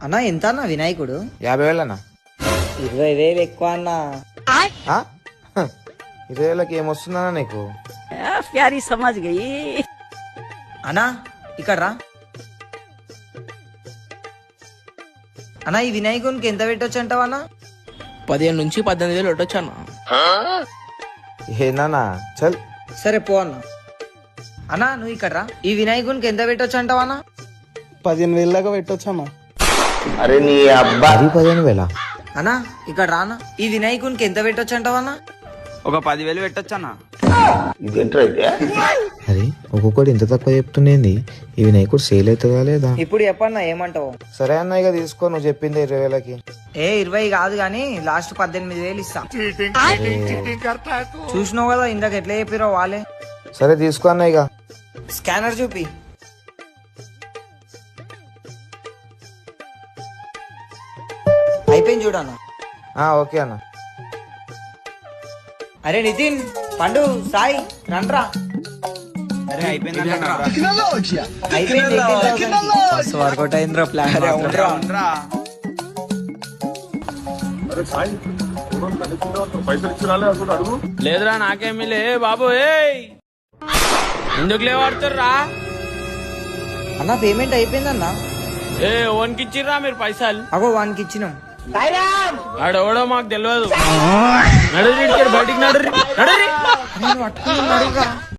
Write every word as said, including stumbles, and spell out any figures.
అన్నా ఎంత అన్న వినాయకుడు? యాభై వేలు అన్న. ఇరవై వేలు ఎక్కువ అన్న. ఆ? హ, ఇరవై వేలకి ఏమొస్తుందన్నా నీకు? ప్యారీ సమాజ్ గయి. అన్నా ఇక్కడ రా అన్నా. ఈ వినాయకునికి ఎంత పెట్టొచ్చు అంటావన్నా? పదిహేను నుంచి పద్దెనిమిది వేలు పెట్టొచ్చు అన్న. ఏందన్నా చల్. సరే పో అన్న. అన్నా నువ్వు ఇక్కడ రా. ఈ వినాయకునికి ఎంత పెట్టొచ్చు అంటావన్నా? పదిహేను వేల దాకా పెట్టొచ్చు అన్న. అది పదిహేను వేల. అన్నా ఇక్కడ రానా. ఈ వినాయకునికి ఎంత పెట్టొచ్చు అంటావన్నా? ఒక పదివేలు పెట్టొచ్చన్నా. అరే ఒక్కొక్కటి ఇంత తక్కువ చెప్తుండేంది? ఈ వినాయకుడు సేల్ అవుతుందా లేదా? ఇప్పుడు చెప్పన్నా ఏమంటావు? సరే అన్న ఇక తీసుకో, నువ్వు చెప్పింది ఇరవై వేలకి. ఏ ఇరవై కాదు గాని లాస్ట్ పద్దెనిమిది వేలు ఇస్తా. చూసినావు కదా ఇందాక ఎట్లా చెప్పిరో వాళ్ళే. సరే తీసుకో అన్న ఇక. స్కానర్ చూపి. అయిపోయింది చూడన్నా. ఆ ఓకే అన్న. అరే నితిన్, పండు, సాయి రండ్రా. అరే అయిపోయింది అయిపోయింది వర్కౌట్ అయిందిరా ప్లాన్. లేదురా నాకేమీ లే బాబు. ఏయ్ ఎందుకు లేవాడుతుర్రా? అన్న పేమెంట్ అయిపోయిందన్నా. ఏ ఓన్కి ఇచ్చిర్రా మీరు పైసలు? అగో వానికి ఇచ్చినాం. ఆడెవడో మాకు తెలియదు. నడు బయటికి నడు. నేను పట్టుకుని